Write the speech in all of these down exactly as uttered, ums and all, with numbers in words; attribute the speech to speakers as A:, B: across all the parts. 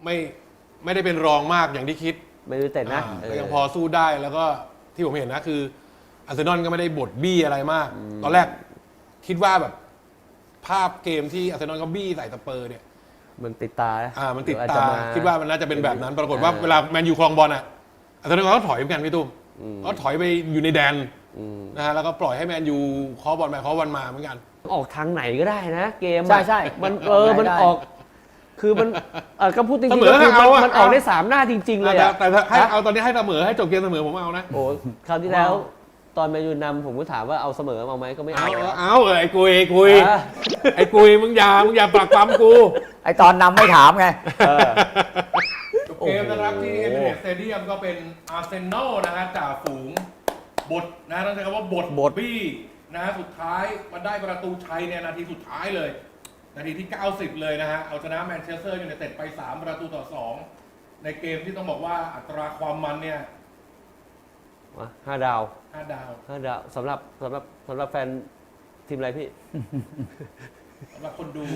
A: ไม่ไม่ได้เป็นรองมากอย่างที่คิด
B: ไม่รู้แต่นะ
A: ก็ยังพอสู้ได้แล้วก็ที่ผมเห็นนะคืออาร์เซนอลก็ไม่ได้บดบี้อะไรมากตอนแรกคิดว่าแบบภาพเกมที่อาร์เซนอลก็บี้ใส่สเปอร์เนี่ย
B: มันติดตา
A: อ่ามันติดตาคิดว่ามันน่าจะเป็นแบบนั้นปรากฏว่าเวลาแมนยูครองบอลอ่ะอาร์เซนอลก็ถอยเหมือนกันพี่ตุ้มก็ถอยไปอยู่ในแดนนะฮะแล้วก็ปล่อยให้แมนยูเคาะบอลไปเคาะบอลมาเหมือนกัน
B: ออกทางไหนก็ได้นะเกม
C: ใช่ใช่
B: มันเออมันออกคือมันเออก็พูดจริงๆ
A: ก็คือ
B: มันออกได้สามหน้าจริงๆเลยอะ
A: แต่ให้เอาตอนนี้ให้เสมอให้จบเกมเสมอผมเอานะ
B: โอ้คราวที่แล้วตอนแมนยูนำผมก็ถามว่าเอาเสมอเอาไหมก็ไม่เอา
A: เอาเออไอ้กุยไอ้กุยไอ้กุยมึงอย่ามึงอย่าปลักปั๊มกู
C: ไอ้ตอนนำไม่ถามไง
A: จบเกมนะครับที่เอมิเรตส์สเตเดียมก็เป็นอาร์เซนอลนะฮะจ่าฝูงบทนะต้องใช้คำว่าบทบทบี้นะฮะสุดท้ายมาได้ประตูชัยในนาทีสุดท้ายเลยนาทีที่เก้าสิบเลยนะฮะเอาชนะแมนเชสเตอร์ยูไนเต็ดไปสามประตูต่อสองในเกมที่ต้องบอกว่าอัตราความมันเนี่ย
B: ห้าดาว
A: ห้าดาว
B: ห้าดาวสำหรับสำหรับสำหรับแฟนทีมอะไรพี่
A: สำหรับคนดู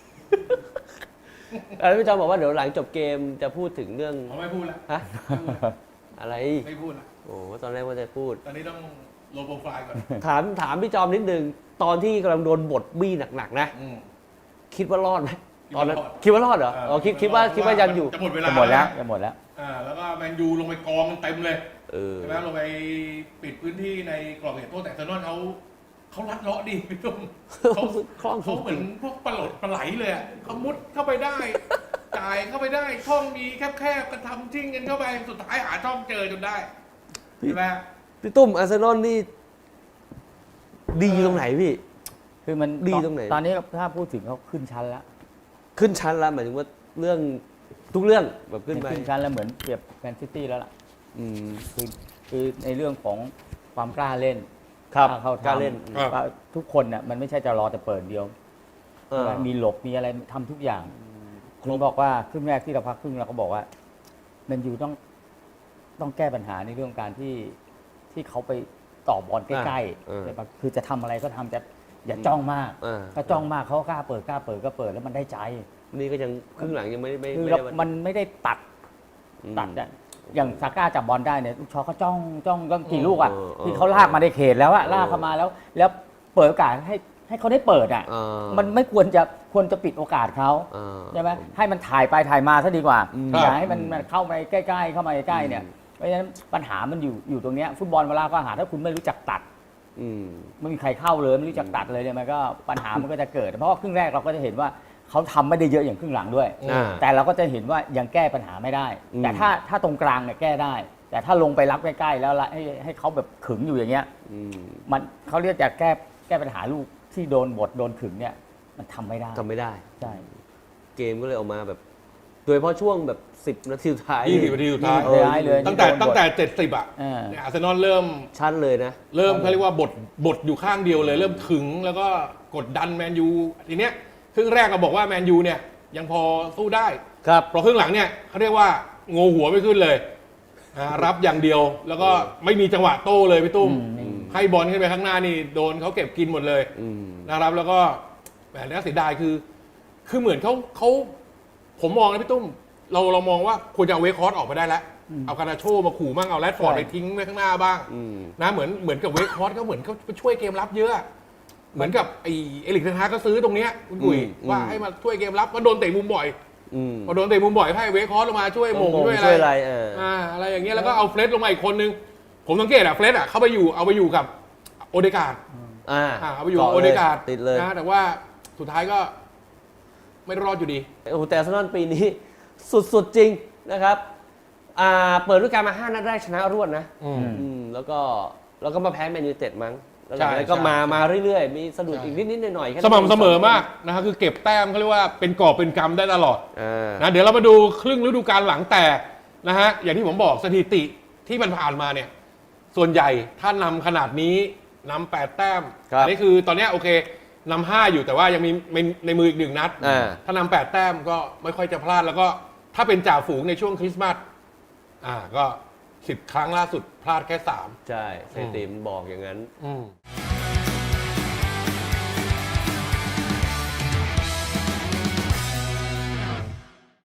B: แล้วพี่จอมบอกว่าเดี๋ยวหลังจบเกมจะพูดถึงเรื่อง
A: เขาไม่พูดละ
B: ฮะอะไร
A: ไม่พูดละ
B: โอ้ตอนแรกว่าจะพูด
A: ตอนนี้ต้องโลโปรไฟล์ก่อน
B: ถามถามพี่จอมนิดนึงตอนที่กำลังโดนบทบี้หนักๆนะคิดว่ารอดไหมตอนนั้นคิดว่ารอดเหรออ๋อคิดคิดว่าคิดว่ายังอยู่
A: จะหมดเวลา
C: จะหมดแล้วจะหมดแล้ว
A: อ่าแล้วก็แมนยูลงไปกองเต็มเลยใช่ไหมลงไปปิดพื้นที่ในกรอบเขตโทษแต่อาร์เซนอลเขาเขาลัดเลาะดีพี่ตุ้มเขาเขาเหมือนพวกปลาหลดปลาไหลเลยอ่ะเขามุดเข้าไปได้จ่ายเข้าไปได้ช่องมีแคบๆกันทำจิ้งกันเข้าไปสุดท้ายหาช่องเจอจนได้ใช่ไหม
B: พี่ตุ้มอาร์เซนอลนี่ดีตรงไหนพี่
C: คือมัน
B: ดีตรงไหน
C: ตอนนี้ถ้าพูดถึงเขาขึ้นชั้นแล้ว
B: ขึ้นชั้นแล้วหมายถึงว่าเรื่องทุกเรื่องแบบขึ้นไป
C: ขึ้นชั้นแล้วเหมือนเปรียบแมนซิตี้แล้วล่ะอืมคือคือในเรื่องของความกล้าเล่น
B: ครับ
C: เข้ากล้าเล่นทุกคนเนี่ยมันไม่ใช่จะรอแต่เปิดเดียวมีหลบมีอะไรทำทุกอย่างคุณบอกว่าครึ่งแรกที่เราพักครึ่งเราก็บอกว่าแมนยูต้องต้องแก้ปัญหาในเรื่องการที่ที่เขาไปต่อบอลใกล้ๆแต่คือจะทำอะไรก็ทำจะอย่าจ้องมากถ้าจ้องมากเขากล้าเปิดกล้าเปิดก็เปิดแล้วมันได้ใจ
B: นี่ก็ยังครึ่งหลังยังไม่ไม่
C: คือมันไม่ได้ตัดตัดอ่ะอย่างซาก้าจับบอลได้เนี่ยลูกชอเขาจ้องจ้องก็กี่ลูกอ่ะที่เขาลากมาในเขตแล้วอ่ะลากเข้ามาแล้วแล้วเปิดโอกาสให้ให้เขาได้เปิดอ่ะมันไม่ควรจะควรจะปิดโอกาสเขาใช่ไหมให้มันถ่ายไปถ่ายมาซะดีกว่าอย่าให้มันเข้าไปใกล้ๆเข้ามาใกล้ๆเนี่ยเพราะฉะนั้นปัญหามันอยู่อยู่ตรงนี้ฟุตบอลเวลาก็หาถ้าคุณไม่รู้จักตัดไม่มีใครเข้าเลยไม่รู้จักตัดเลยเนี่ยมันก็ปัญหามันก็จะเกิดเพราะว่าครึ่งแรกเราก็จะเห็นว่าเขาทำไม่ได้เยอะอย่างครึ่งหลังด้วยแต่เราก็จะเห็นว่ายังแก้ปัญหาไม่ได้แต่ถ้าถ้าตรงกลางเนี่ยแก้ได้แต่ถ้าลงไปรับใกล้ๆแล้วให้ให้เขาแบบขึงอยู่อย่างเงี้ยมันเขาเรียกจะแก้แก้ปัญหาลูกที่โดนบทโดนขึงเนี่ยมันทำไม่ได้
B: ทำไม่ได้
C: ใช่
B: เกมก็เลยออกมาแบบโดยเฉพาะช่วงแบบสิบนาทีสุดท้าย
A: ยี่สิบนาทีสุดท้าย
C: เลย
A: ตั้งแต่ตั้งแต่เจ็ดสิบอ่ะอาร์เซนอลเริ่ม
B: ชั้นเลยนะ
A: เริ่มเขาเรียกว่าบทบทอยู่ข้างเดียวเลยเริ่มขึงแล้วก็กดดันแมนยูทีเนี้ยครึ่งแรกเราบอกว่าแมนยูเนี่ยยังพอสู้ได้
B: ครับ
A: พอครึ่งหลังเนี่ยเขาเรียกว่าโงหัวไม่ขึ้นเลยรับอย่างเดียวแล้วก็ไม่มีจังหวะโต้เลยพี่ตุ้มให้บอลขึ้นไปข้างหน้านี่โดนเขาเก็บกินหมดเลยนะครับแล้วก็แบบนี้เสียดายคือคือเหมือนเขาเขาผมมองนะพี่ตุ้มเราเรามองว่าควรจะเอาเวคคอร์สออกไปได้แล้วเอาคานาโชมาขู่มั่งเอาแรดฟอร์ดไปทิ้งไว้ข้างหน้าบ้างนะเหมือนเหมือนกับเวคคอร์สเขาเหมือนเขาช่วยเกมรับเยอะเหมือนกับไอเอลิกเทนฮากก็ซื้อตรงเนี้ยคุณกุยว่าให้มาช่วยเกมรับว่าโดนเตะมุมบ่อยพอโดนเตะมุมบ่อยให้เวคคอร์สลงมาช่วยมงช่วยอะไรอ่าอะไรอย่างเงี้ยแล้วก็เอาเฟรดลงมาอีกคนนึงผมสังเกตอะเฟรดอะเข้าไปอยู่เอาไปอยู่กับโอเดการ์ด
B: อ่า
A: เอาไปอยู่โอเดการ์ด
B: ติดเลย
A: นะแต่ว่าสุดท้ายก็ไม่รอดอยู่ดี
B: โอ้โหแต่อาร์เซนอลปีนี้สุดๆจริงนะครับอ่าเปิดฤดูกาลมาห้านัดแรกชนะรวดนะอืมแล้วก็แล้วก็มาแพ้แมนยูไนเต็ดมั้งแล้วก็มามาเรื่อยๆมีสะดุดอีกนิดๆหน่อยๆ
A: สม่ำเสมอมากนะครับคือเก็บแต้มเขาเรียกว่าเป็นกอบเป็นกำได้ตลอดนะเดี๋ยวเรามาดูครึ่งฤดูกาลหลังแต่นะฮะอย่างที่ผมบอกสถิติที่มันผ่านมาเนี่ยส่วนใหญ่ถ้านำขนาดนี้นำแปดแต้มอันนี้คือตอนนี้โอเคนำห้าอยู่แต่ว่ายังมีในมืออีกหนึ่งนัดถ้านำแปดแต้มก็ไม่ค่อยจะพลาดแล้วก็ถ้าเป็นจ่าฝูงในช่วงคริสต์มาสอ่าก็สิบครั้งล่าสุดพลาดแค่สาม
B: ใช่สถิติมันบอกอย่างนั้น